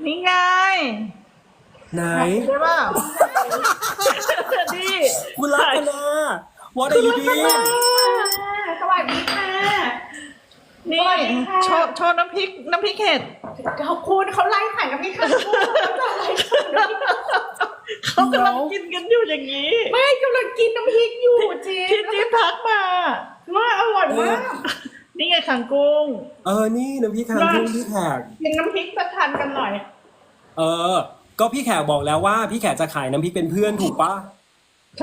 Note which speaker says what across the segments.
Speaker 1: นี่ไง
Speaker 2: ไหน
Speaker 1: ใช่ป่ะนี่
Speaker 2: คุณรัตนา What are you doing
Speaker 3: สวัสดีค่ะ
Speaker 1: นี่โชว์น้ำพริกเห็ด
Speaker 3: ขอบคุณเขาไล่ขายกับพี่ค่ะ
Speaker 1: เขากำลังกินกันอยู่อย่างนี้
Speaker 3: ไม่กำลังกินน้ำพริกอยู่จี
Speaker 1: ที่จิ๊บทักมา
Speaker 3: ว่าอร่อยมาก
Speaker 1: นี่ไงขังกุ้ง
Speaker 2: นี่น้ำพริกคางกุ้งพี่แขก
Speaker 3: กินน้ำพริกประทานกันหน่อย
Speaker 2: ก็พี่แขกบอกแล้วว่าพี่แขกจะขายน้ำพริกเป็นเพื่อนถูกปะ
Speaker 1: ใช่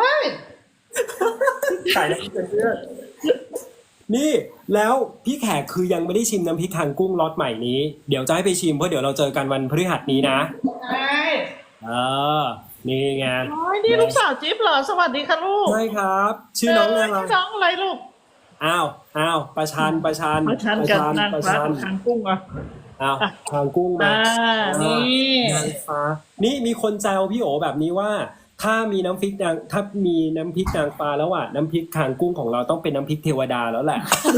Speaker 2: ขายน้ำพริกเป็นเพื่อน นี่แล้วพี่แขกคือยังไม่ได้ชิมน้ำพริกคางกุ้งล็อตใหม่นี้เดี๋ยวจะให้ไปชิมเพราะเดี๋ยวเราเจอกันวันพฤหัสนี้นะ
Speaker 3: ใช่
Speaker 2: นี่ไง
Speaker 1: โอ้ยนี่ลูกสาวจิ๊บเหรอสวัสดีค่ะลูก
Speaker 2: ใช่ครับ ชื่อน้องอะไร
Speaker 1: น้องอะไรลูก
Speaker 2: อ้าวประชัน
Speaker 1: มาชันกันนางฟ้ากับขังกุ้งอ่ะ
Speaker 2: อ้าวคางกุ้งมา
Speaker 1: นี่
Speaker 2: นางฟ้านี่มีคนแซวพี่โอแบบนี้ว่า ถ้ามีน้ำพริกนางฟ้าแล้วอ่ะน้ำพริกคางกุ้งของเราต้องเป็นน้ำพริกเทวดาแล้วแหละ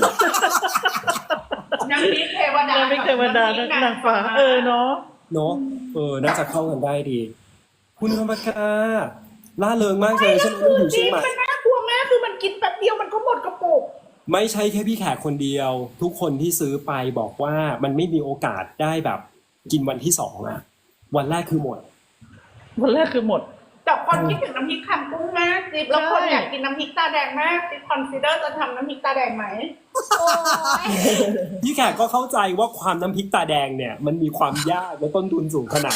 Speaker 3: น้ำพริกเทวดา
Speaker 1: น้ำพริกเทวดานางฟ้าเนาะ
Speaker 2: เนาะน่าจะเข้ากันได้ดี คุณธรรมกาล่าเริงมากเลยใช่ไหมต้องอยู่เชียงใหม่
Speaker 3: มันน่ากลัวมากคือมันกินแป๊บเดียวมันก็หมดกระปุก
Speaker 2: ไม่ใช่แค่พี่แขกคนเดียว ทุกคนที่ซื้อไปบอกว่ามันไม่มีโอกาสได้แบบกินวันที่สองอ่ะ วันแรกคือหมด
Speaker 1: วันแรกคือหมด
Speaker 3: แต่คนคิดถึงน้ำพริกคางกุ้งมากจิ๊บแล้วคนอยากกินน้ำพริกตาแดงมากจิ๊บคอนซีเดอร์จะทำน้ำพริกตาแดงไหม
Speaker 2: พี่แขกก็เข้าใจว่าความน้ำพริกตาแดงเนี่ย มันมีความยากและต้นทุนสูงขนาด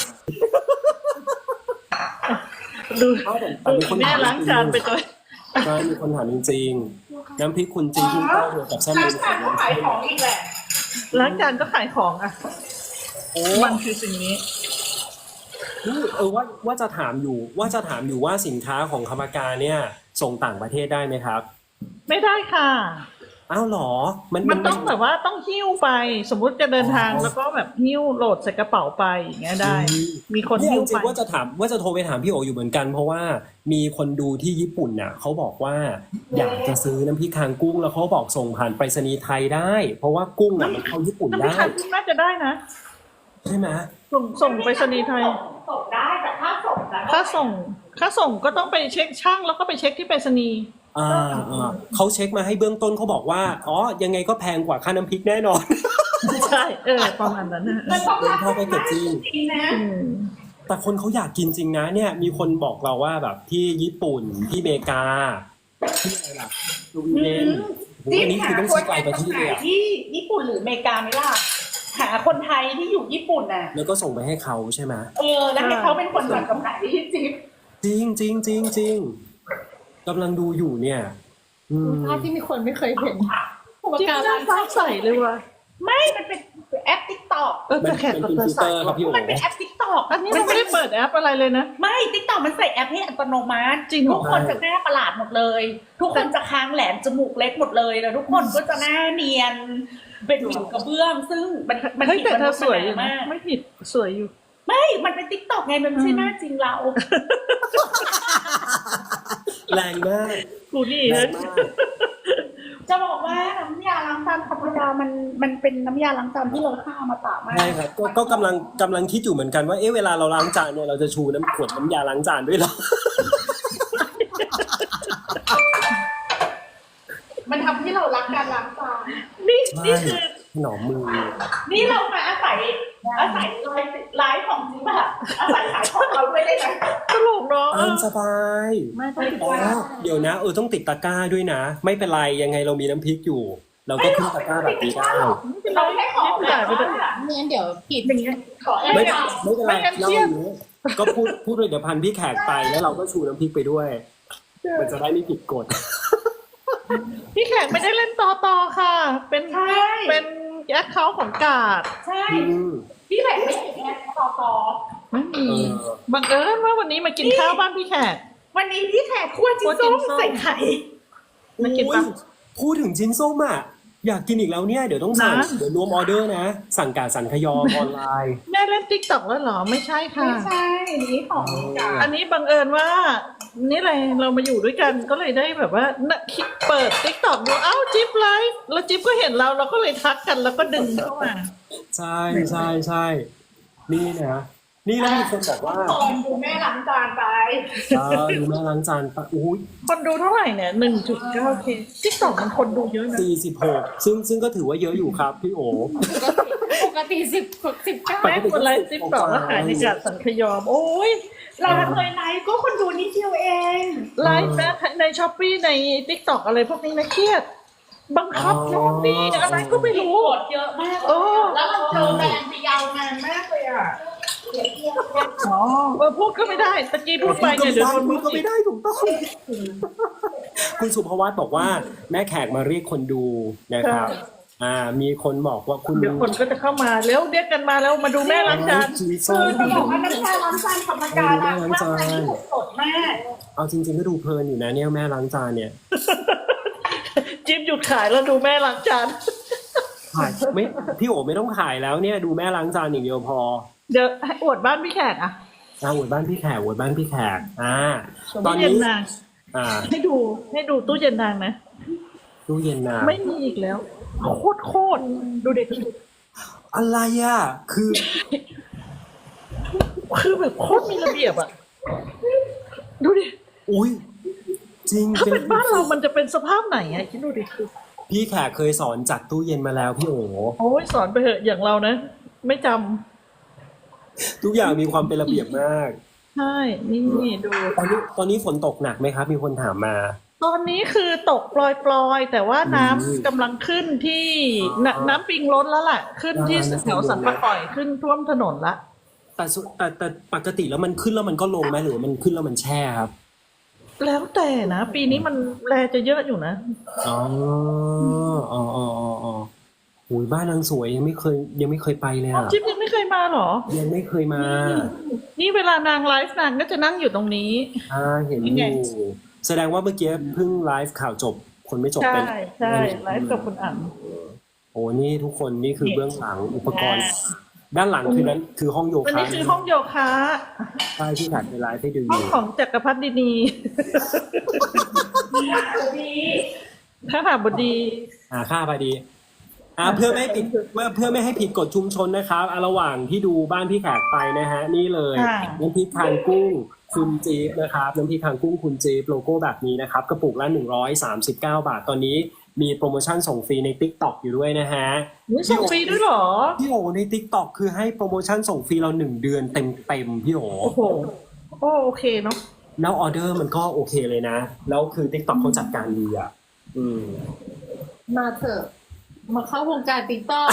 Speaker 1: ดู
Speaker 2: แต่มีคน
Speaker 1: แม่
Speaker 2: ถาม
Speaker 1: ล้างจานไปตัว
Speaker 2: ใช่มีคนถามจริงๆน้ำพริกคุณจริงที่เข้าเดียวกับแซม
Speaker 3: ร้า
Speaker 2: เล
Speaker 3: น
Speaker 2: น
Speaker 3: ขายก็ขายของอีกแหละ
Speaker 1: ล้างจานก็ขายของอ่ะ
Speaker 2: โอ้
Speaker 1: มันคือสิ่งนี้
Speaker 2: นี่ว่าจะถามอยู่ว่าสินค้าของคำการเนี่ย ส่งต่างประเทศได้ไหมครับ
Speaker 1: ไม่ได้ค่ะ
Speaker 2: อ้าวเหรอ
Speaker 1: มันต้องแบบว่าต้องหิ้วไป สมมุติจะเดินทางแล้วก็แบบหิ้วโหลดใส่กระเป๋าไปอย่างเงี้ยได้ มีคน
Speaker 2: เนี่ย
Speaker 1: หิ้
Speaker 2: จ
Speaker 1: ว
Speaker 2: ริ
Speaker 1: ไป
Speaker 2: งๆว่าจะโทรไปถามพี่โออยู่เหมือนกัน เพราะว่ามีคนดูที่ญี่ปุ่นน่ะเขาบอกว่าอยากจะซื้อน้ำพริกคางกุ้งแล้วเขาบอกส่งผ่านไปรษณีย์ไทยได้ เพราะว่ากุ้งอ่ะมันเข้าญี่ปุ่น
Speaker 1: น้ำพริก
Speaker 2: ได้
Speaker 1: คางกุ้งน่าจะได้นะ
Speaker 2: ใช่ไหม
Speaker 1: ส่งไปรษณีย์ไทย
Speaker 3: ส่งได้แต่ถ้าส่งนะ
Speaker 1: ค่าส่งก็ต้องไปเช็คช่างแล้วก็ไปเช็คที่ไปรษณีย์
Speaker 2: เขาเช็คมาให้เบื้องต้นเขาบอกว่ายังไงก็แพงกว่าค่าน้ำพริกแน่นอน
Speaker 1: ใช่ประมาณนั้นนะ
Speaker 3: มันต้อง
Speaker 2: เข้าไปเก็บจริง
Speaker 3: จริงนะ
Speaker 2: แต่คนเขาอยากกินจริงนะเนี่ย มีคนบอกเราว่าแบบที่ญี่ปุ่นที่อเมริกาที่อะไรล่ะสวีเดนโหอันนี้คือต้องซื้อไกลประเทศเลยอะ
Speaker 3: ที่ญี่ปุ่นหรืออเมริกาไหมล่ะหาคนไทยที่อยู่ญี่ปุ่นน่ะ
Speaker 2: แล้วก็ส่งไปให้เขาใช่ไหม
Speaker 3: แล้วให้เขาเป็นคนจัดจำหน่ายที่จิ๊บ
Speaker 2: จริงจริงจริงจริงกำลังดูอยู่เนี่ย
Speaker 4: ภาพที่มีคนไม่เคยเห็น
Speaker 1: จิ๊บน่าฟ้าใสเลยว่ะ
Speaker 3: ไม่มันเป็นแอปติ๊กต็อก
Speaker 1: จะแขก
Speaker 2: มัน
Speaker 1: กับ
Speaker 2: เป็น
Speaker 1: เธอ
Speaker 2: ฟิล
Speaker 1: ใส่
Speaker 2: เตอร์ครับพี่โอ๋
Speaker 3: มันเป็นแอปติ๊กต็อก
Speaker 1: อันนี้มันไม่ได้เปิดแอปอะไรเลยนะ
Speaker 3: ไม่ติ๊กต็อกมันใส่แอปให้อัตโนมัติ
Speaker 1: จริงเหรอ
Speaker 3: ทุกคนจะหน้าประหลาดหมดเลย ทุกคนจะค้างแหลมจมูกเล็กหมดเลยแล้วทุกคนก็จะหน้าเนียนเป็นผิวกระเบื้อง ซึ่งมัน
Speaker 1: เฮ้ย
Speaker 3: ผิด
Speaker 1: แต่เธอสวย
Speaker 3: ม
Speaker 1: อยู่นะ
Speaker 3: าก
Speaker 1: ไม่ผิดสวยอยู่
Speaker 3: ไม่มันเป็นติ๊กต็อกไงมันไม่ใช่หน้าจริงเรา
Speaker 2: แรงมาก
Speaker 1: กูนี่
Speaker 2: แร
Speaker 1: นะ
Speaker 2: งมาก
Speaker 3: จะบอกว่าน้ำยาล้างจานธรรมดามันเป็นน้ำยาล้างจานที่เราฆ่ามาตากมาก
Speaker 2: ใช่ครับก็กำลังคิดอยู่เหมือนกันว่าเวลาเราล้างจานเนี่ยเราจะชูขวดน้ำยาล้างจานด้วยเหรอ
Speaker 3: มันทำให้เรารักการล้างจาน
Speaker 1: นี่คือ
Speaker 2: หนอมมือ
Speaker 3: นี่เรามาอาศัยไลฟ์ของจริงป่ะอาศัยขายของเราด้วยได้ไหม
Speaker 1: ตลกเนาะ
Speaker 2: ตามสบาย
Speaker 1: ไม่ต้องติด
Speaker 2: อ๋อ
Speaker 1: ตาม
Speaker 2: เดี๋ยวนะต้องติดตะกร้าด้วยนะ ไม่เป็นไรยังไงเรามีน้ำพริกอยู่ เราก็ขึ้นตะกร้าแบบนี้ได้
Speaker 3: เราให้ของ
Speaker 1: จ่ายไปเถอะ
Speaker 4: ไม่งั้นเดี๋ยวผิด
Speaker 3: ขอให้
Speaker 2: ไม่
Speaker 3: เรา
Speaker 2: เป็นไรเล่าอย่างนี้ก็พูดเลยเดี๋ยวพันพี่แขกไปแล้วเราก็ชูน้ำพริกไปด้วย มันจะได้ไม่ผิดกฎ
Speaker 1: พี่แขกไม่ได้เล่นต่อค่ะ เป็นแอคเคาท์ของกาด
Speaker 3: ใช่พี่แหลกไม่เห็นไงต่อ
Speaker 1: ไม่มีบังเอิญว่าวันนี้มากินข้าวบ้านพี่แขก
Speaker 3: วันนี้พี่แขกคั่วจิ้นส้มใส่ไข่
Speaker 1: มากินปะ
Speaker 2: พูดถึงชิ้นส้มอ่ะอยากกินอีกแล้วเนี่ยเดี๋ยวต้องสั่ง
Speaker 1: นะ
Speaker 2: เดี๋ยวรวมออเดอร์นะ สั่งกาสั่งขยอออนไลน์
Speaker 1: แม่เล่นติ๊กต็อกแล้วเหรอไม่ใช่ค่ะ
Speaker 3: ไม่ใช่นี้ของกา
Speaker 1: อันนี้บังเอิญว่า นี่อะไรเรามาอยู่ด้วยกันก็เลยได้แบบว่าเปิดติ๊กต็อกดูเอ้าจิ๊บไลฟ์แล้วจิ๊บก็เห็นเราก็เลยทักกันแล้วก็ดึงเข้ามา
Speaker 2: ใช่นี่นะนี่แล้วมีคนบอกว่า
Speaker 3: ตอนดูแม่ล้างจานไป
Speaker 2: ดูแม่ล้างจานปะอุ้ย
Speaker 1: คนดูเท่าไหร่เนี่ย 1.9K ทิกตอกมันคนดูเยอะนะ
Speaker 2: 46ซึ่งก็ถือว่าเยอะอยู่ครับพี่โอ
Speaker 4: ปกติ19
Speaker 1: แม่คนไลฟ์ทิกตอกแล้วขายในกาดสังขยอม โอ้ย
Speaker 3: เราเคยไลฟ์ก็คนดูนิดเดียวเอง
Speaker 1: ไลฟ์นะในช้อปปี้ในทิกตอกอะไรพวกนี้นะเครียด บังคับโน่นนี่อะไรก็ไม่รู้
Speaker 3: กดเยอะมาก
Speaker 1: เออ
Speaker 3: แล้วเราเจอแบรนด์ไปยาวนานมากเลยอ่ะ
Speaker 1: อ๋อพูดก็ไม่ได้ตะกี้พูดไปเนี่ยเดี๋ยวโดน
Speaker 2: พู
Speaker 1: มื
Speaker 2: ด
Speaker 1: อ
Speaker 2: ก็ไม่ได้ถูกต้อง คุณสุภวัตบอกว่าแม่แขกมาเรียกคนดูนะครับ มีคนบอกว่าคุณ
Speaker 1: เดี๋ยวคนก็จะเข้ามาแล้วเรียกกันมาแล้วมาดูแม่ล้างจาน
Speaker 2: ชีวิต
Speaker 3: คื
Speaker 2: ส้
Speaker 3: อ
Speaker 2: ม
Speaker 3: จะบอกว่าน้ำชาล้างจานธรรมดาล้างจานนี่สดมาก
Speaker 2: เอาจริงๆก็ดูเพลินอยู่นะเนี่ยแม่ล้างจานเนี่ย
Speaker 1: จิ๊บหยุดขายแล้วดูแม่ล้างจาน
Speaker 2: ขายไม่พี่โอไม่ต้องขายแล้วเนี่ยดูแม่ล้างจานอย่างเดียวพอ
Speaker 1: เดี๋ยวให้อวดบ้านพี่แขกอะ
Speaker 2: อวดบ้านพี่แขกตอน
Speaker 1: ตู้เย็
Speaker 2: นี้
Speaker 1: นนาง ให้ดูตู้เย็นนางนะ
Speaker 2: ตู้เย็นนะ
Speaker 1: ไม่มีอีกแล้วโคตรดูเด็ก
Speaker 2: อะไรอ่ะ
Speaker 1: คือแบบโคตรมีระเบียบอะดูดิ
Speaker 2: อุ้ยจริง
Speaker 1: ถ้าเป็นบ้านเรามันจะเป็นสภาพไหนอะคิดดูดิ
Speaker 2: พี่แขกเคยสอนจัดตู้เย็นมาแล้วพี่โอ
Speaker 1: โอ้ยสอนไปเถอะอย่างเรานะ ไม่จำ
Speaker 2: ทุกอย่างมีความเป็นระเบียบมาก
Speaker 1: ใช่นี่ดู
Speaker 2: ตอนนี้ฝนตกหนักไหมครับ มีคนถามมา
Speaker 1: ตอนนี้คือตกปลอยๆแต่ว่าน้ำกำลังขึ้นที่น้ำปิงล้นแล้วล่ะ ขึ้นที่แถวสันปะก่อยขึ้นท่วมถนนละ
Speaker 2: แต่ปกติแล้วมันขึ้นแล้วมันก็ลงไหมหรือมันขึ้นแล้วมันแช่ครับ
Speaker 1: แล้วแต่นะ ปีนี้มันแลจะเยอะอยู่นะ
Speaker 2: อ๋อโอ้ยบ้านนางสวยยังไม่เคยไปเลยอ่ะ
Speaker 1: จิ๊บยังไม่เคยมาเหรอ
Speaker 2: ยังไม่เคยมา
Speaker 1: นี่เวลานางไลฟ์นางก็จะนั่งอยู่ตรงนี้
Speaker 2: เห็น
Speaker 1: นี่
Speaker 2: อ
Speaker 1: ไง
Speaker 2: ยู่แสดงว่าเมื่อกี้เพิ่งไลฟ์ข่าวจบ คนไม่จบ
Speaker 1: ใช่
Speaker 2: เป็น
Speaker 1: ใช่ไลฟ์กับคุณอั๋น
Speaker 2: โอ้นี่ทุกคนนี่คือเบื้องหลังอุปกรณ์ ด้านหลังคือห้องโย
Speaker 1: อัน
Speaker 2: คะ
Speaker 1: นี้คือห้องโยคะ
Speaker 2: ใช่ที่ถ่ายไปไลฟ์ให้ดูอ
Speaker 1: ห้อง
Speaker 2: ยู่
Speaker 1: ของจักรพรรดินี
Speaker 3: ดี
Speaker 1: ข้าหาบดี
Speaker 2: ค่าพอดีเพื่อไม่ให้ผิดกฎชุมชนนะครับระหว่างที่ดูบ้านพี่แขกไปนะฮะนี่เลย
Speaker 1: ค่ะ
Speaker 2: น้ำพริกคางกุ้งคุณจี๊บนะครับน้ำพริกคางกุ้งคุณจี๊บโลโก้แบบนี้นะครับกระปุกละ139 บาทตอนนี้มีโปรโมชั่นส่งฟรีใน TikTok อยู่ด้วยนะฮะ
Speaker 1: นี่ส่งฟรีด้วยเหรอ
Speaker 2: พี่โอใน TikTok คือให้โปรโมชั่นส่งฟรีเรา1 เดือนเต็มพี่โอ
Speaker 1: โอ้โหโอเคเนาะ
Speaker 2: แล้วออเดอร์มันก็โอเคเลยนะแล้วคือ TikTok เขาจัดการดีอ่ะ
Speaker 4: มาเถอะ มาเข้าวงการติ๊กต็อก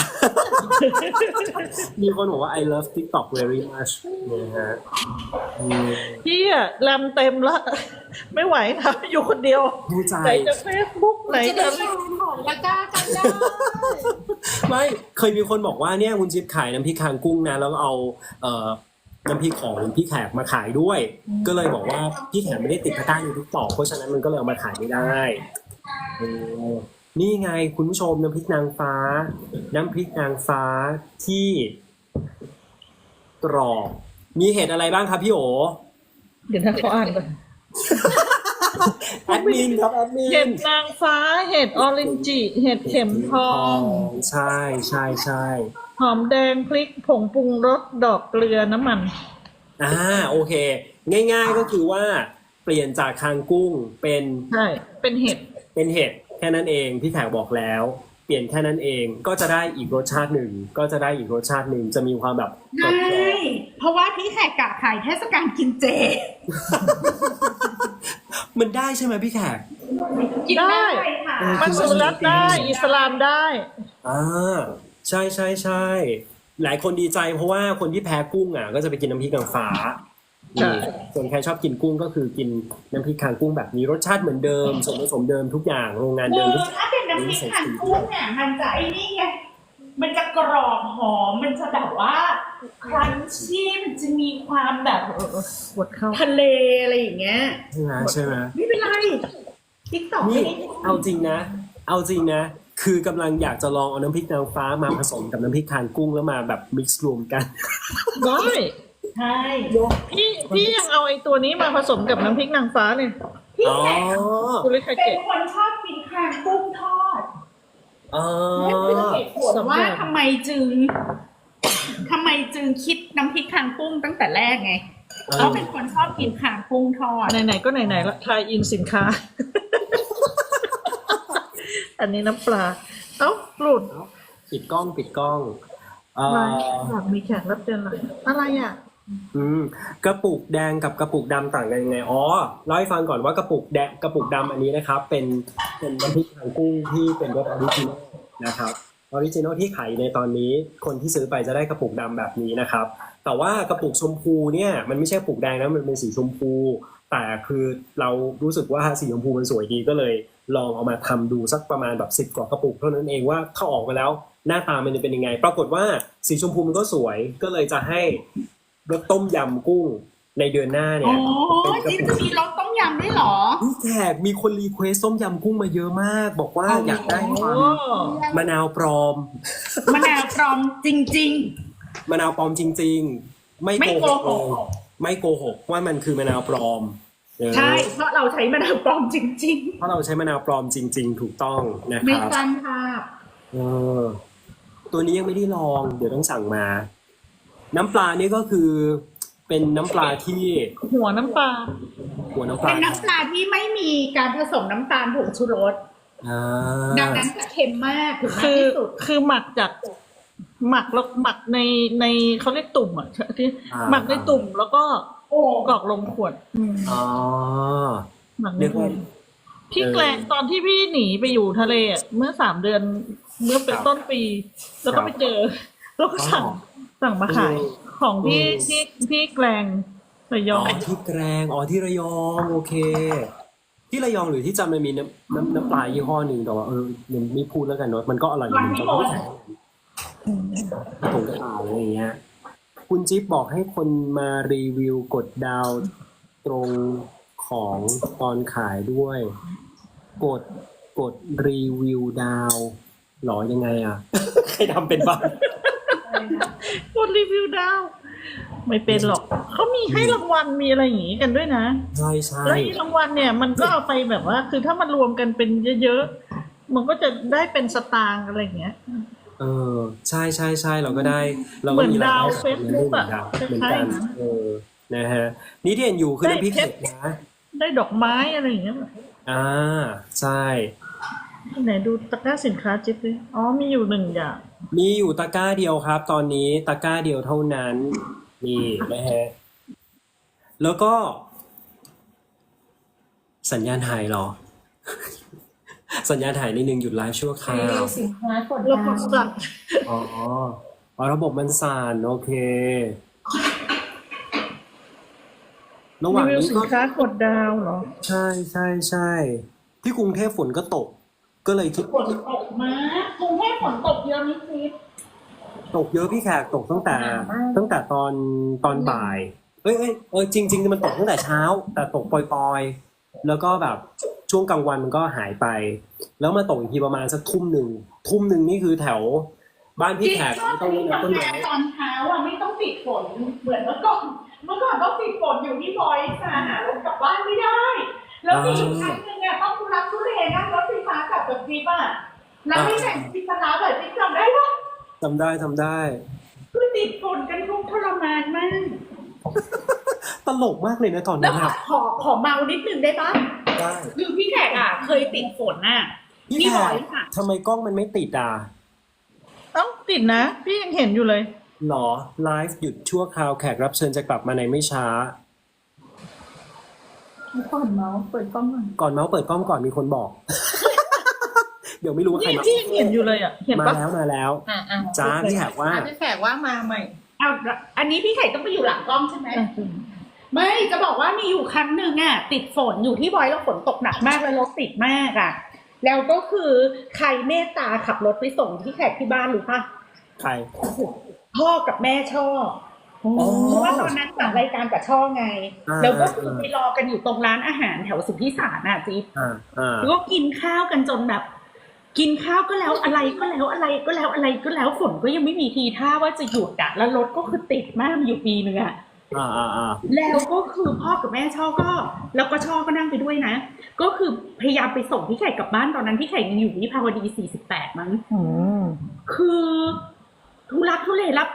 Speaker 2: มีคนบอกว่า I love TikTok very much นะฮะ
Speaker 1: พี่อะแรมเต็มละ ไม่ไหวนะอยู่คนเดียว
Speaker 2: ดูใจ
Speaker 1: ไหนจะเฟซบุ๊กไหน
Speaker 4: จะ
Speaker 1: จะ
Speaker 4: ได้ชมของตะกร้ากันได้
Speaker 2: ไม่เคยมีคนบอกว่าเนี่ยคุณจิ๊บขายน้ำพริกคางกุ้งนะแล้วเอาน้ำพริกของพี่แขกมาขายด้วย ก็เลยบอกว่าพี่แขกไม่ได้ติดตะกร้าในทุกต่อเพราะฉะนั้นมันก็เลยเอามาขายไม่ได้นี่ไงคุณผู้ชมน้ำพริกนางฟ้าที่กรอบมีเห็ดอะไรบ้างครับพี่โอ
Speaker 1: เดี๋ยวนะเขาอ่านก่อน
Speaker 2: แอดมินครับแอดมิ
Speaker 1: เห็
Speaker 2: น
Speaker 1: ดนางฟ้าเห็ดออเรนจิเห็ดเข็มทอง
Speaker 2: ใช่
Speaker 1: หอมแดงพริกผงปรุงรสดอกเกลือน้ำมัน
Speaker 2: โอเค ง่ายๆก็คือว่าเปลี่ยนจากคางกุ้งเป็น
Speaker 1: ใช่เป็นเห็ด
Speaker 2: แค่นั้นเองพี่แขกบอกแล้วเปลี่ยนแค่นั้นเองก็จะได้อีกรสชาติหนึ่งจะมีความแบบกร
Speaker 3: ใช่
Speaker 2: อบ
Speaker 3: เพราะว่าพี่แขกกะขายเทศกาลกินเจ
Speaker 2: ๆมันได้ใช่ไหมพี่แขก
Speaker 3: กินได้ค่ะ
Speaker 1: มัสลิมได้อิสลามได้
Speaker 2: ใช่หลายคนดีใจเพราะว่าคนที่แพ้กุ้งก็จะไปกินน้ำพริกนางฟ้า
Speaker 1: ใช่
Speaker 2: ส่วนใครชอบกินกุ้งก็คือกินน้ำพริกคางกุ้งแบบนี้รสชาติเหมือนเดิมส่วนผสมเดิมทุกอย่างโรงงานเดิมทุกอย่าง
Speaker 3: ถ้าเป็นน้ำพริกขันกุ้งเนี่ยมันจะไอ้นี่ไง มันจะกรอบหอม มันจะแบบว่าครันชี่มันจะมีความแบบ
Speaker 1: ปวดเข้า
Speaker 3: ทะเลอะไรอย่างเงี้ย
Speaker 2: ใช่ไหม
Speaker 3: ไม่เป็นไรติ๊กต็อก
Speaker 2: นี่
Speaker 3: ไม่ได้
Speaker 2: เอาจริงนะคือกำลังอยากจะลองเอาน้ำพริกนางฟ้ามาผสมกับน้ำพริกคางกุ้งแล้วมาแบบมิกซ์รวมกัน
Speaker 1: ได้
Speaker 3: ใช่
Speaker 1: พี่ยังเอาไอ้ตัวนี้มาผสมกับน้ำพริกนางฟ้าเลย
Speaker 3: พี่
Speaker 2: อ๋อ
Speaker 3: แขก
Speaker 1: คุณลิคา
Speaker 3: เป็
Speaker 1: เกะ
Speaker 3: นคนชอบกินคางกุ้งทอด
Speaker 2: อ๋อ
Speaker 3: นั่นคือเหตุผลว่าทำไมจึงทำไมจึงคิดน้ำพริกคางกุ้งตั้งแต่แรกไงเพราะเป็นคนชอบกินคางกุ้งทอด
Speaker 1: ไหนๆก็ไหนๆละทายอินสินค้า อันนี้น้ำปลา เอ้าหลุด
Speaker 2: ปิดกล้องเอ่
Speaker 1: อะไร
Speaker 2: อ
Speaker 1: อยากมีแขกรับเชิญอะไรอะไรอ่ะ
Speaker 2: กระปุกแดงกับกระปุกดำต่างกันยังไงอ๋อเล่าให้ฟังก่อนว่ากระปุกแดงกระปุกดำอันนี้นะครับ เป็นน้ำพริกหางกุ้งที่เป็นรสออริจินอลนะครับออริจินอลที่ขายในตอนนี้คนที่ซื้อไปจะได้กระปุกดำแบบนี้นะครับ แต่ว่ากระปุกชมพูเนี่ยมันไม่ใช่กระปุกแดงนะมันเป็นสีชมพู แต่คือเรารู้สึกว่าสีชมพูมันสวยดีก็เลยลองเอามาทำดูสักประมาณแบบ10 กว่ากระปุกเท่านั้นเองว่าถ้าออกมาแล้วหน้าตามันจะเป็นยังไง ปรากฏว่าสีชมพูมันก็สวยก็เลยจะให้รสต้มยำกุ้งในเดือนหน้าเนี่
Speaker 3: อ๋
Speaker 2: ย
Speaker 3: อจิ๊บจะมีรสต้มยำด้วยเหรอ
Speaker 2: พี่แขกมีคนรีเควสต้มยำกุ้งมาเยอะมาก บอกว่าอยากได้ความ
Speaker 1: โอ้
Speaker 2: มะนาวปลอม
Speaker 3: มะนาวปลอมจริง
Speaker 2: มะนาวปลอมจริง ๆ ไม่
Speaker 3: ไม่
Speaker 2: โก
Speaker 3: โก
Speaker 2: ห
Speaker 3: ห
Speaker 2: ก
Speaker 3: ก
Speaker 2: เลยไม่โกหกว่ามันคือมะนาวปลอม
Speaker 3: ๆ ใช่ เพราะเราใช้มะนาวปลอมจริง
Speaker 2: เพราะเราใช้มะนาวปลอมจริง ๆ ถูกต้องนะ
Speaker 3: ๆ
Speaker 2: ค
Speaker 3: ไม่
Speaker 2: รับ
Speaker 3: สร้างภาพ
Speaker 2: เออตัวนี้ยังไม่ได้ลอง เดี๋ยวต้องสั่งมา น้ำปลานี่ก็คือเป็นน้ำปลาที่
Speaker 1: หัวน้ำปลา
Speaker 2: หัวน้ำป
Speaker 3: เป็
Speaker 2: ลาน
Speaker 3: น้ำปลาที่ไม่มีการผสมน้ำตาลผงชูรส
Speaker 2: อ่า
Speaker 3: ดังนั้นจะเค็มมากถึงมาก
Speaker 1: คือ
Speaker 3: ที่สุด
Speaker 1: คือหมักจากหมักแล้วหมักในเขาเรียกตุ่มอ่ะที่หมักในตุ่มแล้วก็
Speaker 3: โอ้
Speaker 1: กรอกลงขวด
Speaker 2: อ๋อ
Speaker 1: หมักใน
Speaker 2: เรียกว่า
Speaker 1: ตุ่มพี่แกลงตอนที่พี่หนีไปอยู่ทะเลอะเมื่อ3 เดือน เมื่อเป็นต้นปี แล้วก็ไปเจอ แล้วก็สั่งมาขายของพี่แกลงระย
Speaker 2: อ๋
Speaker 1: อ
Speaker 2: อง ที่แกรงอ๋อที่ระยองโอเค ที่ระยองหรือที่จันทร์มันมีน้ำปลายี่ห้อหนึ่งแต่ว่ายังไม่พูดแล้วกันเนาะมันก็อร่อยอยู่เหมือนกันไม่แข็งผงกระต่ายอะไรอย่างเงี้ย คุณจิ๊บบอกให้คนมารีวิวกดดาวตรงของตอนขายด้วย กดรีวิวดาวหรอยังไงอ่ะ ใครทำเป็นบ้าง
Speaker 1: กดรีวิวดาว ไม่เป็นหรอก เขามีให้รางวัลมีอะไรอย่างงี้กันด้วยนะ
Speaker 2: ใช่ใช่
Speaker 1: แล้วอีรางวัลเนี่ยมันก็เอาไปแบบว่า คือถ้ามันรวมกันเป็นเยอะๆ มันก็จะได้เป็นสตางค์อะไรอย่างเงี้ย
Speaker 2: ใช่ใช่ใช่เราก็ได้เราก็
Speaker 1: เหมือน
Speaker 2: มีราย
Speaker 1: ดาว
Speaker 2: ได้
Speaker 1: Facebook อะ
Speaker 2: เหมือนกัน
Speaker 1: คล้ายๆนั้น
Speaker 2: นะฮะนี่ที่เห็นอยู่คือน้ำพริก
Speaker 1: ได้
Speaker 2: เผ็ดนะ
Speaker 1: ได้ดอกไม้อะไรอย่างเงี้ย
Speaker 2: ใช่
Speaker 1: ไหนดูตะกร้าสินค้าจิ๊บดิอ๋อมีอยู่1 อย่าง
Speaker 2: มีอยู่ตะกร้าเดียวครับ ตอนนี้ตะกร้าเดียวเท่านั้นนี่นะฮะแล้วก็ สัญญาณหายเหรอ สัญญาณหายนิดนึงหยุดไลฟ์ชั่วคราว
Speaker 4: สินค้ากด
Speaker 1: แล้ว
Speaker 4: ดา
Speaker 1: ก็
Speaker 4: ว
Speaker 1: สั่ง
Speaker 2: อ๋อระบบมันสั่นโอเค ระห
Speaker 1: รี
Speaker 2: ว่าง
Speaker 1: วิว
Speaker 2: นี้
Speaker 1: สิน
Speaker 2: ก็
Speaker 1: ค้ากดดาวเหรอ
Speaker 2: ใช่ใช่ใช่ที่กรุงเทพฝนก็ตก ก็เลยคิด
Speaker 3: ฝนตกมากกรุงเทพฝนตกเยอะไหมจิ๊บ
Speaker 2: ตกเยอะพี่แขกตกตั้งแต่ตอนบ่ายจริงมันตกตั้งแต่เช้า แต่ตกปล่อยๆแล้วก็แบบช่วงกลางวันมันก็หายไป แล้วมาตกอีกทีประมาณสักทุ่มหนึ่งนี่คือแถวบ้านพี่แขกไม่ต้องเล่นน้ำต้นไม้
Speaker 3: ตอนเช้าอ่ะไม่ต้องติดฝนเหมือนเมื่อก่อนต้องติดฝนอยู่ที่บอยค่ะหารถกลับบ้านไม่ได้ แล้วมีอยู่ครั้งหนึงเนี่ยต้องทุรักทุเลนั่งรถไฟฟ้ากลับจากจิ๊บอ่ะแล้วไม่แข่งจิ๊บปลาร้าแบบจิ๊บจำได้ปะ
Speaker 2: ทำได้
Speaker 3: คือติดฝนกันทุกทรมานมาก
Speaker 2: ตลกมากเลยนะตอน
Speaker 3: แล้
Speaker 2: นั้
Speaker 3: วน
Speaker 2: อะ
Speaker 3: ขอเมานิดนึงได้ปะ
Speaker 2: ได้
Speaker 3: คือพี่แขกอ่ะเคยติดฝนอ่ะ
Speaker 2: พี่
Speaker 3: พี่
Speaker 2: แข
Speaker 3: บอย
Speaker 2: ก
Speaker 3: ค่ะ
Speaker 2: ทำไมกล้องมันไม่ติดอ่ะ
Speaker 1: ต้องติดนะ พี่ยังเห็นอยู่เลย
Speaker 2: หรอไลฟ์หยุดชั่วคราวแขกรับเชิญจะกลับมาในไม่ช้า
Speaker 4: ก่อนเมาส์เปิดกล้องก่อน
Speaker 2: ก่อนเมาส์เปิดกล้องก่อนมีคนบอก เดี๋ยวไม่รู้ว่าใคร
Speaker 1: นี่
Speaker 2: มา
Speaker 1: พี่ยังเห็นอยู่เลยอ่ะ เห็น
Speaker 2: มา
Speaker 1: ปะ
Speaker 2: แล้ว
Speaker 4: อ่ะ
Speaker 2: จ้าพี่แขกว่า
Speaker 4: พี่แขกว่ามาใหม่
Speaker 3: เอาอันนี้พี่แขกต้องไปอยู่หลังกล้องใช่ไหม ไม่จะบอกว่ามีอยู่ครั้งหนึ่งอ่ะติดฝนอยู่ที่บอยแล้วฝนตกหนักมากแล้วรถติดมากอ่ะ แล้วก็คือใครเมตตาขับรถไปส่งที่แขกที่บ้านหรือปะ
Speaker 2: ใคร
Speaker 3: พ่อกับแม่ช่อ
Speaker 2: อ๋อ
Speaker 3: เพราะว่าตอนนั้นจัดรายการกับช่อไง
Speaker 2: อ่า
Speaker 3: แล้วก็คือไปรอกันอยู่ตรงร้านอาหารแถวสุทธิสารน่ะจิ๊บ แล้วก็กินข้าวกันจนแบบ กินข้าวก็แล้วอะไรก็แล้วอะไรก็แล้วอะไรก็แล้วฝนก็ยังไม่มีทีท่าว่าจะหยุดอ่ะแล้วรถก็คือติดมากมีอยู่ปีนึงอ่ะ แล้วก็คือพ่อกับแม่ช่อก็ แล้วก็ช่อก็นั่งไปด้วยนะ ก็คือพยายามไปส่งพี่ไข่กลับบ้านตอนนั้นพี่ไข่ยังอยู่วิภาวดี48มั้ง
Speaker 1: อืม
Speaker 3: คือทุลักทุเลรับ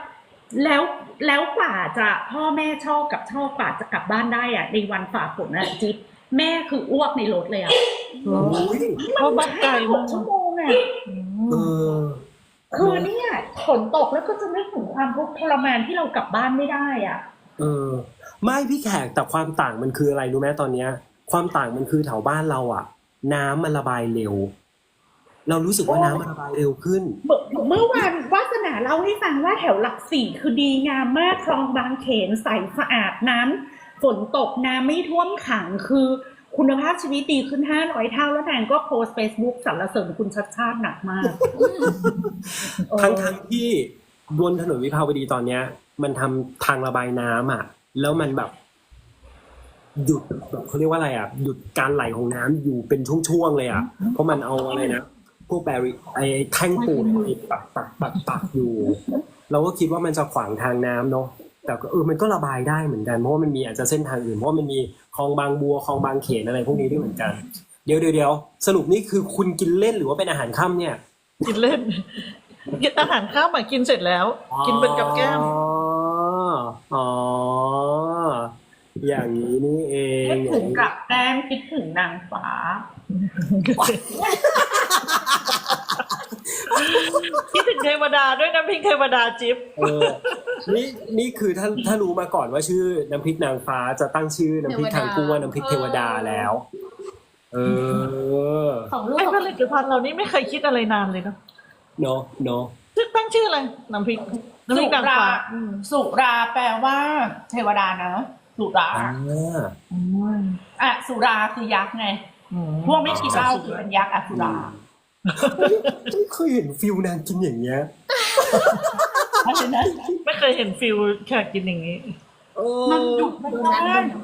Speaker 3: แล้วแล้วกว่าจะพ่อแม่ชอบกว่าจะกลับบ้านได้อ่ะในวันฝ่าฝนอ่ะจิ๊บแม่คืออ้วกในรถเลยอ่ะ
Speaker 2: โอ้ย
Speaker 1: เพราะบ้านไกล
Speaker 3: ห
Speaker 1: มาก
Speaker 3: กชั่วโมงอ่ะ
Speaker 2: เออ
Speaker 3: คือเนี่ยฝนตกแล้วก็จะนึกถึงความทุกข์ทรมานที่เรากลับบ้านไม่ได้อ่ะ
Speaker 2: เออ ไม่พี่แขกแต่ความต่างมันคืออะไรรู้ไหมตอนเนี้ย ความต่างมันคือแถวบ้านเราอ่ะ น้ำมันระบายเร็ว เรารู้สึกว่าน้ำมันระบายเร็วขึ้น
Speaker 3: เมื่อวานวาสนาเล่าให้ฟังว่าแถวหลักสี่คือดีงามมากคลองบางเขนใสสะอาดน้ำฝนตกน้ำไม่ท่วมขังคือคุณภาพชีวิตดีขึ้น500เท่าแล้วนางก็โพสเฟซบุ๊กสรรเสริญคุณชัดชาติหนักมาก
Speaker 2: ทั้งที่บนถนนวิภาวดีตอนเนี้ย มันทำทางระบายน้ำอ่ะ แล้วมันแบบ หยุดแบบเขาเรียกว่าอะไรอ่ะหยุดการไหลของน้ำอยู่เป็นช่วงๆเลยอ่ะ เพราะมันเอาอะไรนะพวกแบรีไอ้แท่งปูนไอ้ปักอยู่ เราก็คิดว่ามันจะขวางทางน้ำเนาะแต่ก็มันก็ระบายได้เหมือนกันเพราะว่ามันมีอาจจะเส้นทางอื่นเพราะว่ามันมีคลองบางบัวคลองบางเขนอะไรพวกนี้ด้วยเหมือนกันเดี๋ยวสรุปนี่คือคุณกินเล่นหรือว่าเป็นอาหารค่ำเนี่ย
Speaker 1: กินเล่นกินอาหารข้าวมากินเสร็จแล้ว กินเป็นกับแก้ม
Speaker 2: อ๋ออย่างนี้นี่เอง
Speaker 3: คิดถึงกับแก้มคิดถึงนางฟ้า
Speaker 1: คิดถึงเทวดาด้วยนะพิงเทวดาจิ๊บ
Speaker 2: นี่คือถ้ารู้มาก่อนว่าชื่อน้ำพริกนางฟ้าจะตั้งชื่อน้ำพริกทางกุ้งว่าน้ำพริกเทวดาแล้ว
Speaker 4: ของลูก
Speaker 1: ไอ้ผลิตภัณฑ์เรานี่ไม่เคยคิดอะไรนานเลยเนาะ
Speaker 2: เนาะ
Speaker 1: ตั้งชื่ออะไรน้ำพริกนางฟ้า
Speaker 3: สุราแปลว่าเทวดานะสุราสุราคือยักษ์ไงพวกไม่กินเหล้าคือเป็นยักษ์สุรา
Speaker 2: ไม่เคยเห็นฟิลนางกินอย่างเงี้ย
Speaker 3: อะไรนะ
Speaker 1: ไม่เคยเห็นฟิลแขกกินอย่างนี้
Speaker 3: มันหยุดไม่ได้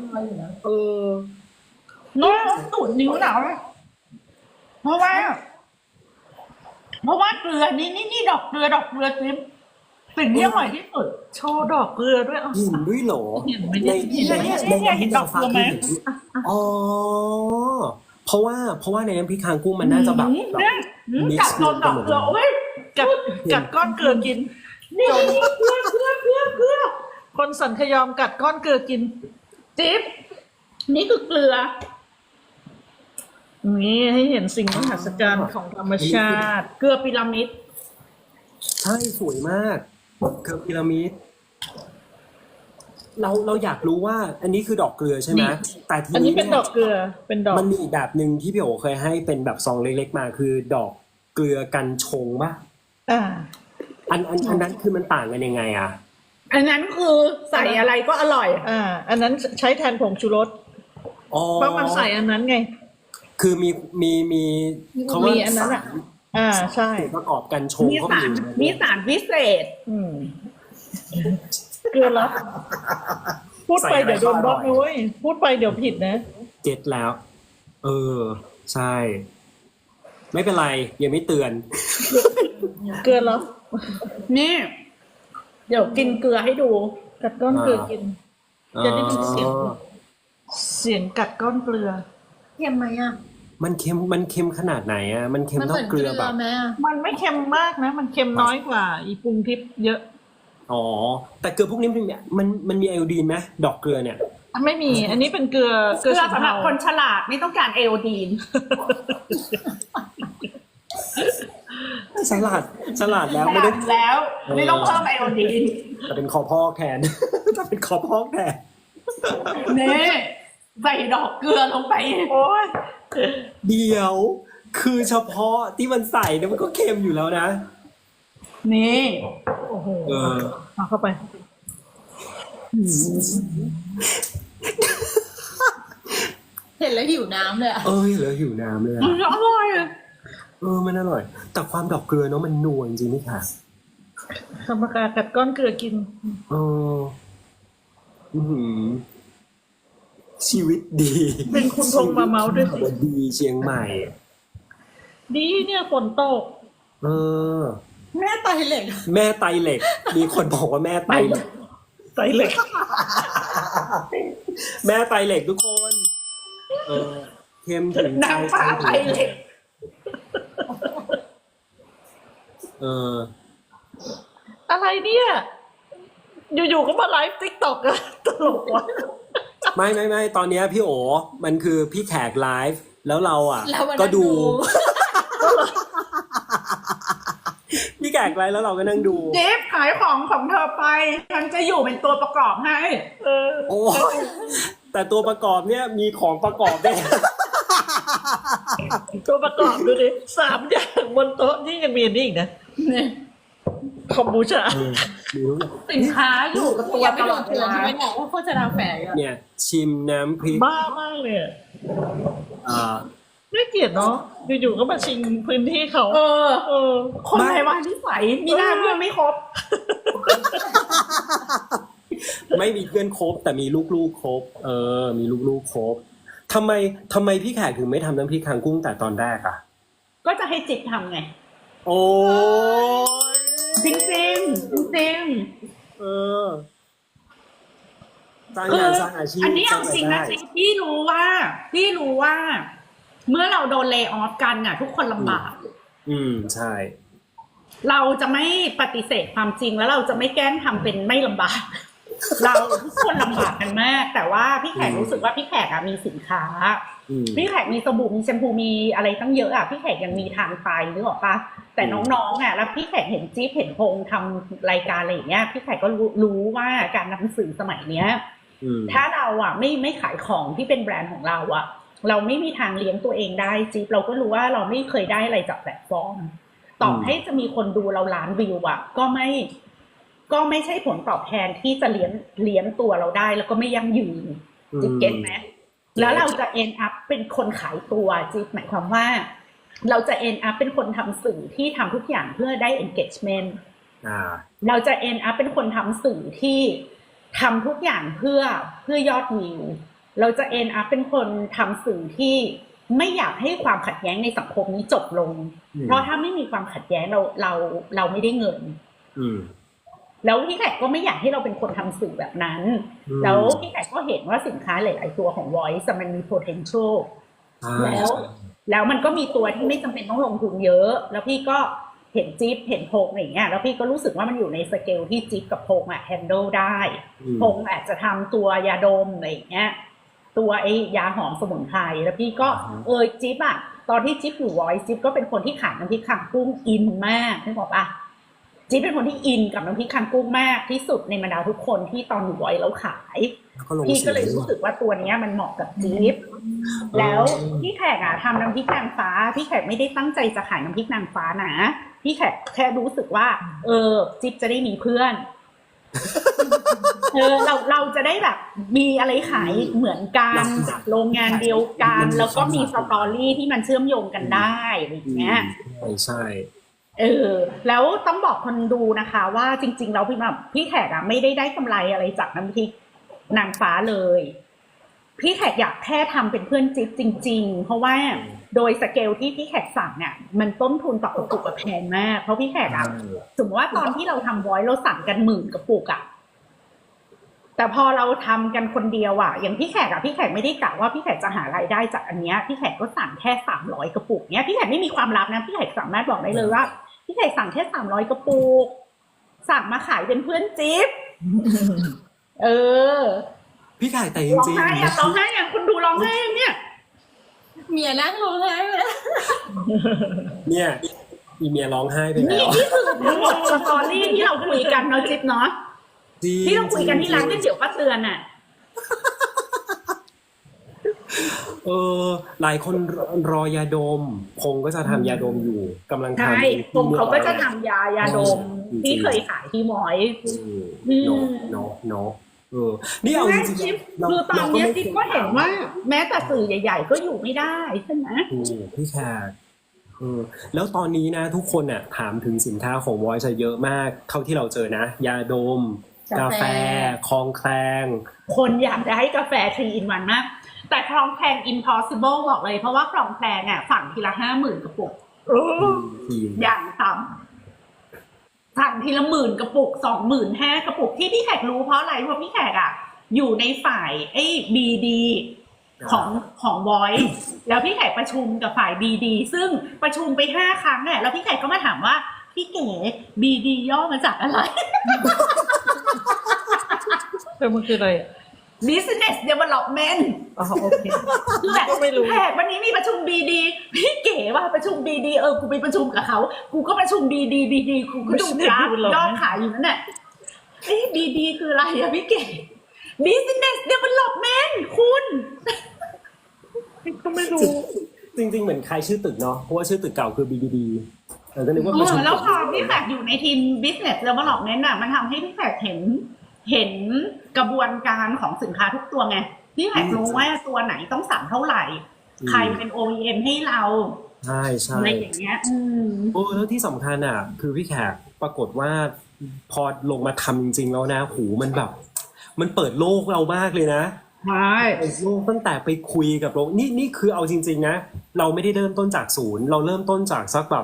Speaker 3: น้องตูดนิ้วหนาวเพราะว่าเกลือนี่ดอกเกลือจิ๊บสิ่งที่อร่อยที่สุด
Speaker 1: โชว์ดอกเกลือด้วยอ่ะ
Speaker 2: เห็นด้วยเหรอ
Speaker 1: เห็นไหม
Speaker 2: ใน
Speaker 3: เห็นดอกเกลือไหม
Speaker 2: อ๋อเพราะว่าในน้ำพริกคางกุ้งมันน่าจะแบบ
Speaker 3: กัดโดนดอกเกลือเว้ย
Speaker 1: กัดก้อนเกลือกิน
Speaker 3: นี่เกลือ
Speaker 1: คนสันขยอมกัดก้อนเกลือกิน
Speaker 3: จิ๊บนี่คือเกลือ
Speaker 1: นี่ให้เห็นสิ่งมหัศจรรย์ของธรรมชาติ
Speaker 3: เกลือพีระมิด
Speaker 2: ใช่สวยมากเกือบพีระมิดเราอยากรู้ว่า อันนี้คือดอกเกลือใช่ไหมแต่ที
Speaker 1: อันนี้
Speaker 2: นี้
Speaker 1: เป็นดอกเกลือเป็นดอก
Speaker 2: มันมีอีกแบบหนึ่งที่พี่โอเคยให้เป็นแบบซองเล็กๆมาคือดอกเกลือกันชงป่ะ
Speaker 1: อ่า
Speaker 2: อันนั้นคือมันต่างกันยังไงอ่ะ
Speaker 3: อันนั้นคือใส่อะไรก็อร่อย
Speaker 1: อันนั้นใช้แทนผงชูรส
Speaker 2: อ๋อ
Speaker 1: เพราะมันใส่อันนั้นไง
Speaker 2: คือมีเขาว่า
Speaker 1: มีอันนั้นอ่ะ ใช่
Speaker 2: ประกอบกันชง
Speaker 3: มี
Speaker 2: เขา
Speaker 3: สารมีสารพิเศษ
Speaker 1: เกลือแล้วพูดไปเดี๋ยวโดนบล็อกนะเว้ยพูดไปเดี๋ยวผิดนะ
Speaker 2: เก็ตแล้ว ใช่ ไม่เป็นไรยังไม่เตือน
Speaker 1: เกลือแล้ว
Speaker 3: นี่ เดี๋ยวกินเกลือให้ดู
Speaker 1: กัดก้อนเกลือกิน จะได้ยินเสียงกัดก้อนเกลือ
Speaker 4: เค็มไหมอ่ะ
Speaker 2: มันเค็มขนาดไหนอ่ะมันเค็ม
Speaker 4: มัน
Speaker 2: เท่า
Speaker 4: เหมือน
Speaker 2: เก
Speaker 4: เก
Speaker 2: ลื
Speaker 4: ลื
Speaker 2: อ
Speaker 4: อ
Speaker 2: แบบ
Speaker 4: ไหมอ่ะ
Speaker 1: มันไม่เค็มมากนะ มันเค็มน้อยกว่าอีปรุงทิพย์เยอะ
Speaker 2: อ๋อแต่เกลือพวกนี้มันมีไอโอดีนไหมดอกเกลือเนี่ย
Speaker 1: ไม่มี อันนี้เป็นเกลือ
Speaker 3: เกลือสำหรับคนฉลาดไม่ต้องการไอโอดีน
Speaker 2: สลัดแล้ว
Speaker 3: ฉ
Speaker 2: ไม่
Speaker 3: ลา
Speaker 2: ได้
Speaker 3: ดแล้วไม่ต้องเพิ่มไอโอดีน
Speaker 2: จะเป็นคอพอกแทน จะเป็นคอพอกแทน
Speaker 3: นี่ใส่ดอกเกลือลงไป
Speaker 1: โอ้ย
Speaker 2: เดี๋ยว คือเฉพาะที่มันใส่เนี่ยมันก็เค็มอยู่แล้วนะ
Speaker 3: นี่
Speaker 1: โอ้โหเอาเข้าไป
Speaker 4: เห็นแล้วหิวน้ำเลยอ่ะ
Speaker 2: เหลือหิวน้ำเลยอะ
Speaker 3: มันอร่อย
Speaker 2: มันอร่อย แต่ความดอกเกลือเนาะมันนัวจริงๆนี่ค่ะ
Speaker 1: ธรรมกากัดก้อนเกลือกิน
Speaker 2: ชีวิตดี
Speaker 1: เป็นคุณพงษ์มาเมาส์ด้วยสิ
Speaker 2: ดีเชียงใหม่
Speaker 1: ดีเนี่ยฝนตก
Speaker 4: แม่ไตเหล็ก
Speaker 2: แม่ไตเหล็ก มีคนบอกว่าแม่ไตเหล็ก
Speaker 1: ใส่เหล็ก
Speaker 2: แม่ไตเหล็กทุกคน เค็มถึงใจ
Speaker 3: นางฟ้าไตเหล็ก
Speaker 1: อะไรเนี่ยอยู่ๆก็มาไลฟ์ติ๊กต็อกอะตลกว่ะ
Speaker 2: ไม่ตอนเนี้ยพี่โอมันคือพี่แขกไลฟ์แล้วเราอ่ะ
Speaker 4: แล้ววันนั้น
Speaker 2: ก็ดู พี่แขกไลฟ์แล้วเราก็นั่งดู
Speaker 3: เจ๊ขายของเธอไปฉันจะอยู่เป็นตัวประกอบให้
Speaker 2: โอ้แต่ตัวประกอบเนี่ยมีของประกอบด้วย
Speaker 1: ตัวประกอบดูดิ3 อย่างบนโต๊ะนี่ยังมีอันนี้อีกนะคอมบูชา
Speaker 2: มีรู้ไหม
Speaker 3: สินค้าอยู่กับตัว
Speaker 4: อย่าไป
Speaker 3: ต
Speaker 4: โด
Speaker 3: ลอน ดเว
Speaker 4: เตือน
Speaker 3: ลา
Speaker 4: ใช่ไหมเนี่ยว่าโฆษณาแฝงอะ
Speaker 2: เนี่ยชิมน้ำพริก
Speaker 1: บ้ามากเลยอะ
Speaker 2: อ่า
Speaker 1: น่าเกลียดเนาะอยู่ๆก็มาชิงพื้นที่เขา
Speaker 3: เออ คน
Speaker 2: ไม่
Speaker 3: ไทยว่านิสัยมีหน้าเพื่อนไม่ครบ
Speaker 2: ไม่มีเพื่อนครบแต่มีลูกๆครบมีลูกๆครบทำไมพี่แขกถึงไม่ทำน้ำพริกคางกุ้งแต่ตอนแรกอ่ะ
Speaker 3: ก็จะให้จิบทำไง
Speaker 2: โอ้ย
Speaker 3: จริงจริงจริง
Speaker 2: เออสร้าง
Speaker 3: คื
Speaker 2: งา
Speaker 3: อน
Speaker 2: สร้างอาชีพ
Speaker 3: อันนี้
Speaker 2: ส
Speaker 3: เอา
Speaker 2: ร้าง
Speaker 3: จริง
Speaker 2: ราย
Speaker 3: นะ
Speaker 2: ได้
Speaker 3: จริงพี่รู้ว่า เมื่อเราโดนเลย์ออฟกันน่ะ ทุกคนลำบาก
Speaker 2: ใช่
Speaker 3: เราจะไม่ปฏิเสธความจริงแล้วเราจะไม่แกล้งทำเป็นไม่ลำบาก เราทุกคนลำบากกันมาก แต่ว่าพี่แขกรู้สึกว่าพี่แขกมีสินค้า พี่แขกมีสบู่มีแชมพูมีอะไรตั้งเยอะพี่แขกยังมีทางไฟนึกออกปะแต่น้องๆแล้วพี่แขกเห็นจิ๊บเห็นพงทำรายการอะไรอย่างเงี้ยพี่แขกก็รู้ว่าการนำสื่อสมัยเนี้ยถ้าเราไม่ขายของที่เป็นแบรนด์ของเราเราไม่มีทางเลี้ยงตัวเองได้จิ๊บเราก็รู้ว่าเราไม่เคยได้อะไรจากแพลตฟอร์มต่อให้จะมีคนดูเราล้านวิวก็ไม่ใช่ผลตอบแทนที่จะเลี้ยงตัวเราได้แล้วก็ไม่ยั่งยืนจิ๊บเก็ตไหมแล้วเราจะ end up เป็นคนขายตัวจิ๊บหมายความว่าเราจะ end up เป็นคนทำสื่อที่ทำทุกอย่างเพื่อได้ engagement เราจะ end up เป็นคนทำสื่อที่ทำทุกอย่างเพื่อยอดวิวเราจะ end up เป็นคนทำสื่อที่ไม่อยากให้ความขัดแย้งในสังคมนี้จบลงเพราะถ้าไม่มีความขัดแย้งเราไม่ได้เงินแล้วพี่แขกก็ไม่อยากให้เราเป็นคนทำสื่อแบบนั้นแล้วพี่แขกก็เห็นว่าสินค้าหลายๆตัวของ Voice มันมี potential แล้วมันก็มีตัวที่ไม่จำเป็นต้องลงทุนเยอะแล้วพี่ก็เห็นจิ๊บเห็นพงอะไรอย่างเงี้ยแล้วพี่ก็รู้สึกว่ามันอยู่ในสเกลที่จิ๊บกับพงhandle ได้พงอาจจะทำตัวยาดมอะไรอย่างเงี้ยตัวไอ้ยาหอมสมุนไพรแล้วพี่ก็จิ๊บตอนที่จิ๊บอยู่ Voice จิ๊บก็เป็นคนที่ขายน้ำพริกคางกุ้งอินมากนึกออกปะจิ๊บเป็นคนที่อินกับน้ำพริกคางกุ้งมากที่สุดในบรรดาทุกคนที่ตอนอยู่Voiceแล้วขายพี่ก็เลยรู้สึกว่าตัวนี้มันเหมาะกับจิ๊บแล้วพี่แขกทำน้ำพริกนางฟ้าพี่แขกไม่ได้ตั้งใจจะขายน้ำพริกนางฟ้านะพี่แขกแค่รู้สึกว่าจิ๊บจะได้มีเพื่อนเราจะได้แบบมีอะไรขายเหมือนกันโรงงานเดียวกันแล้วก็มีสตอรี่ที่มันเชื่อมโยงกันได้อะไรอย่างเงี้ย
Speaker 2: ใช่
Speaker 3: แล้วต้องบอกคนดูนะคะว่าจริงๆแล้วพี่แขกไม่ได้กำไรอะไรจากน้ำพริกนางฟ้าเลยพี่แขกอยากแค่ทำเป็นเพื่อนจิ๊บจริงๆเพราะว่าโดยสเกลที่พี่แขกสั่งเนี่ยมันต้นทุนต่อกระปุกแพงมากเพราะพี่แขกสมมติว่าตอนที่เราทำVoiceเราสั่งกัน10,000 กระปุกแต่พอเราทำกันคนเดียวอย่างพี่แขกพี่แขกไม่ได้กะว่าพี่แขกจะหารายได้จากอันเนี้ยพี่แขกก็สั่งแค่300 กระปุกเนี้ยพี่แขกไม่มีความลับนะพี่แขกสามารถบอกได้เลยว่าพี่แขกสั่งแค่300 กระปุกสั่งมาขายเป็นเพื่อนจิ๊บ
Speaker 2: พี่แขกแต่จริงๆ
Speaker 3: ร้องไห้คุณดูร้องไห้เนี่ย
Speaker 4: เมียนั่งร้องไห้เลย
Speaker 2: เนี่ยอีเมียร้องไห้ไปแล้ว
Speaker 3: นี่คือทั้งหมดสตอรี่ที่เราคุยกันเนาะจิ๊บเนาะที่เราคุยกันที่ร้านก๋วยเตี๋ยวป้าเตือน
Speaker 2: หลายคนรอยาดมพงก็จะทำยาดมอยู่กำลังทำ
Speaker 3: ใช่พงเขาก็จะทำยาดมที่เคยขายที่Voice
Speaker 2: เนาะนี่เอาจริง
Speaker 3: ๆคือตอนนี้จิ๊บก็เห็นว่าแม้แต่สื่อใหญ่ๆก็อยู่ไม่ได้ใช่ไหม
Speaker 2: พี่แขกแล้วตอนนี้นะทุกคนถามถึงสินค้าของVoiceเยอะมากเท่าที่เราเจอนะยาดมกาแฟคลองแคลง
Speaker 3: คนอยากได้กาแฟ3 in 1มากแต่คลองแคลง impossible บอกเลยเพราะว่าคลองแคลงสั่งทีละ 50,000 กระปุกอย่างต่ำสั่งทีละ10,000 กระปุก 25,000 กระปุกที่พี่แขกรู้เพราะอะไรเพราะพี่แขกอยู่ในฝ่ายBD ของVoiceแล้วพี่แขกประชุมกับฝ่าย BD ซึ่งประชุมไป5 ครั้งแล้วพี่แขกก็มาถามว่าพี่เก๋ BD ย่อมาจากอะไร
Speaker 1: แต่มันคืออะไรอ่ะ
Speaker 3: business development
Speaker 1: อ๋อโอเค
Speaker 3: แบบ
Speaker 1: ก็ไม่รู้
Speaker 3: แขกวันนี้มีประชุม BD พี่เก๋ว่าประชุม BD กูไปประชุมกับเขากูก็ประชุม BD กูก็ดูกราฟยอดขายอยู่นั่นแหละBD คืออะไรอะพี่เก๋ business development คุณ
Speaker 1: ก็ไม่รู้
Speaker 2: จริงๆเหมือนคล้ายชื่อตึกเนาะเพราะว่าชื่อตึกเก่าคือ BBD ก็นึกว่าประชุม
Speaker 3: แล้วพอพี่แขกอยู่ในทีม business development น่ะมันทำให้พี่แขกเห็นกระบวนการของสินค้าทุกตัวไงพี่แขกรู้ว่าตัวไหนต้องสั่งเท่าไหร่ ใครเป็น OEM ให้เรา
Speaker 2: ใช่ใช่
Speaker 3: อะไรอย่างเงี้ย
Speaker 2: โอ้แล้วที่สำคัญอ่ะ คือพี่แขกปรากฏว่าพอลงมาทำจริงๆแล้วนะหูมันแบบ มันเปิดโลกเรามากเลยนะ
Speaker 3: ใช่
Speaker 2: เปิดโลกตั้งแต่ไปคุยกับโรงนี่คือเอาจริงๆนะเราไม่ได้เริ่มต้นจากศูนย์เราเริ่มต้นจากสักแบบ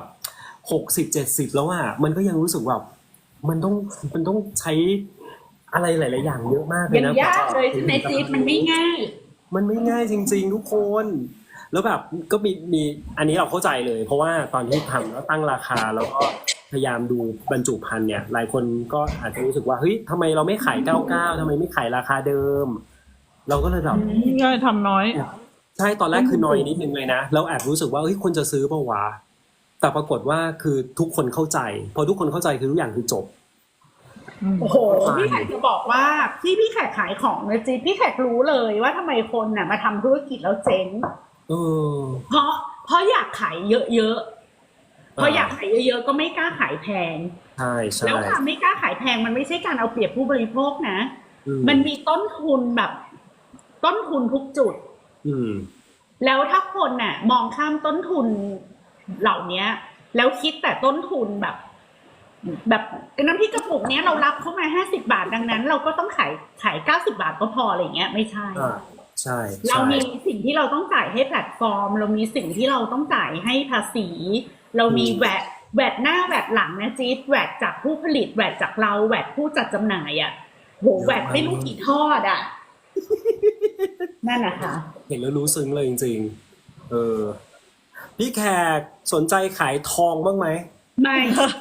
Speaker 2: 60-70แล้วอ่ะมันก็ยังรู้สึกแบบมันต้องใช้อะไรหลายๆอย่างเยอะมากเลย
Speaker 3: ยัง
Speaker 2: นะ
Speaker 3: ยากเลยใช่ไหมจี๊ดมันไม่ง่าย
Speaker 2: มันไม่ง่ายจริงๆทุกคน แล้วแบบก็มีอันนี้เราเข้าใจเลย เพราะว่าตอนที่ทำแล้วตั้งราคาแล้วก็พยายามดูบรรจุภัณฑ์เนี่ยหลายคนก็อาจจะรู้สึกว่าเฮ้ยทำไมเราไม่ขาย99ทำไมไม่ขายราคาเดิม เราก็เลยแบบ
Speaker 1: ง่ายทำน้อย
Speaker 2: ใช่ตอนแรกคือน้อยนิดนึงเลยนะเราแอบรู้สึกว่าเฮ้ยคนจะซื้อเปล่าวะแต่ปรากฏว่าคือทุกคนเข้าใจพอทุกคนเข้าใจคือทุกอย่างคือจบ
Speaker 3: โอ้โหพี่แขกจะบอกว่าที่พี่แขกขายของนะจี๊ดพี่แขกรู้เลยว่าทำไมคนน่ะมาทำธุรกิจแล้วเจ๊ง
Speaker 2: เออ
Speaker 3: เพราะอยากขายเยอะๆพออยากขายเยอะๆก็ไม่กล้าขายแพง
Speaker 2: ใช่ใช่
Speaker 3: แล้วความไม่กล้าขายแพงมันไม่ใช่การเอาเปรียบผู้บริโภคนะ
Speaker 2: อืม
Speaker 3: มันมีต้นทุนแบบต้นทุนทุกจุด
Speaker 2: อืม
Speaker 3: แล้วถ้าคนน่ะมองข้ามต้นทุนเหล่านี้แล้วคิดแต่ต้นทุนแบบน้ำพริกกระปุกเนี้ยเรารับเข้ามา50 บาทดังนั้น เราก็ต้องขาย90 บาทก็พออะไรเงี้ยไม่ใช่
Speaker 2: ใช่
Speaker 3: เรามีสิ่งที่เราต้องจ่ายให้แพลตฟอร์ม เรามีสิ่งที่เราต้องจ่ายให้ภาษี เรามีแวดหน้าแวดหลังนะจี๊ดแวดจากผู้ผลิตแวดจากเราแวดผู้จัดจำหน่ายอ่ะโหแวดไม่รู้กี่ทอดอ่ะ นั่นนะคะ
Speaker 2: เห็นแล้วรู้ซึ้งเลยจริงๆพี่แขกสนใจขายทองบ้างไหม
Speaker 3: ไม่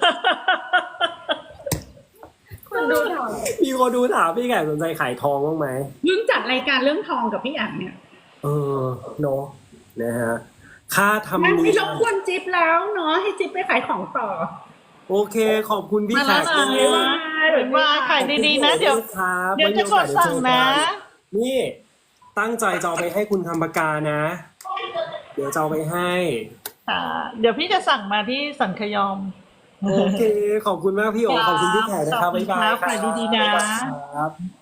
Speaker 4: คนดูถาม
Speaker 2: มีคนดูถามพี่แขกสนใจขายทองบ้างไหม
Speaker 3: เพิ่งจัดรายการเรื่องทองกับพี่อ่างเนี่ย
Speaker 2: เนาะนะฮะค่าทำ
Speaker 3: นั่น
Speaker 2: เนี
Speaker 3: ไม่
Speaker 2: ย
Speaker 3: รบกวนจิ๊บแล้วเนาะให้จิ๊บไปขายของต่อ
Speaker 2: โอเคขอบคุณพี่
Speaker 1: มา
Speaker 2: แข
Speaker 1: แล้ว
Speaker 2: ก
Speaker 1: นะ
Speaker 2: เลย
Speaker 1: ว่าขายดีๆนะเดี๋ยว
Speaker 2: ครับ
Speaker 1: เดี๋ยวจะกดสั่งนะ
Speaker 2: นี่ตั้งใจจะเอาไปให้คุณคำปากกานะ เดี๋ยวจะเอาไปให้
Speaker 1: เดี๋ยวพี่จะสั่งมาที่สันขยอม
Speaker 2: โอเค ขอบคุณมากพี่โอขอบคุณพี่แขกนะครับบ๊ายบาย
Speaker 1: ขอบคุณครับขายดีๆนะ
Speaker 2: ครับ